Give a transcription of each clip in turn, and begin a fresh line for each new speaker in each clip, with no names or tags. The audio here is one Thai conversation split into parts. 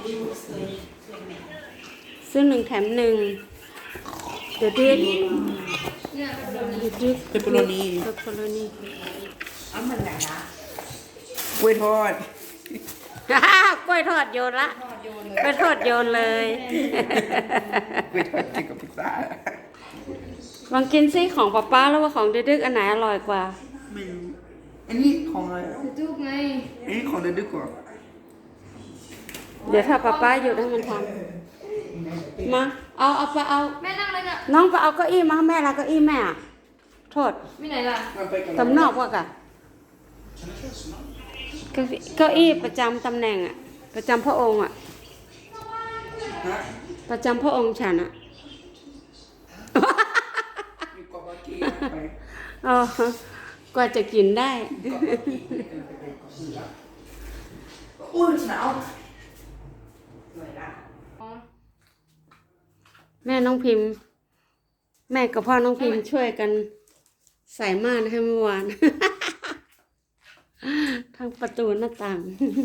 ซื้อหนึ่งแถมหนึ่งเดี๋ยวดิ
เปปเปอโรนี
เปปเปอโรนี
เอามันไหนนะ
กล้วยทอด
กล้วยทอดโยนละกล้วยทอดโยนเลย
กล้วยทอดกินกับพิซซ่า
ลองกินซิของป๊าป้าแล้วว่าของดึกๆอันไหนอร่อยกว่า
ไม่รู้อันนี้ของอะไรอ่ะ
จุกไง
อันนี้ของเด็กๆกว่า
เดี๋ยวถ้าป๊าป้าหยุดให้มันทำมาเอาไปเอา
แม่นั่งเลยน่ะ
น้องไปเอาเก้าอี้มาให้แม่ละเก้าอี้แม่อะโทษ
มีไหนล่ะ
มันไปกัน
ตำนอกว่ากะเก้าอี้ประจำตำแหน่งอะประจำพระองค์อะ
ฮะ
ประจำพระองค์ฉันอะ
อยู่กับบักกี้ไป
อ๋อกว่าจะกินได้
อุ้ยหนาวเหนื่อยละ
แม่น้องพิมพ์ แม่กับพ่อน้องพิมพ์ช่วยกันใส่ม่านให้เมื่อวาน ทั้งประตูหน้าต่าง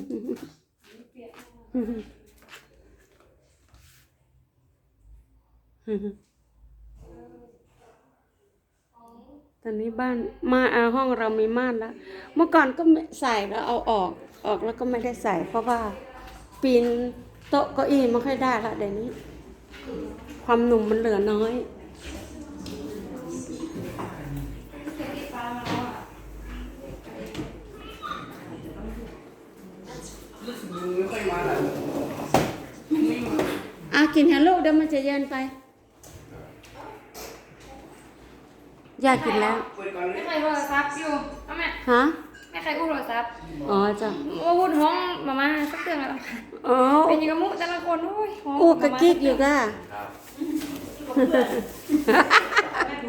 ตอนนี้บ้านห้องเรามีม่านแล้ว เมื่อก่อนก็ใส่แล้วเอาออกแล้วก็ไม่ได้ใส่ เพราะว่าปีนโต๊ะเก้าอี้ไม่ค่อยได้ละเดี๋ยวนี้ ความหนุ่มมันเหลือน้อย
รู้สึกยุงไม่ค่อยมาแล้ว
กินเฮลโลเดี๋ยวมันจะเย็นไป อยากกินแล้ว
เปิดก่อนเล
แม่
ย
ใครโทรศัพท์อยู่เอาแม่
ฮะ
แม่ใครอู้โทรศัพท์
อ๋อจ้ะ
ว่าพูดห้องมาสักเตือนแล้ว
อ๋อ
เป็นยังกับมุแต่ละคนโอ้ยห้อง
อู้กะกิ๊กอยู่ก้า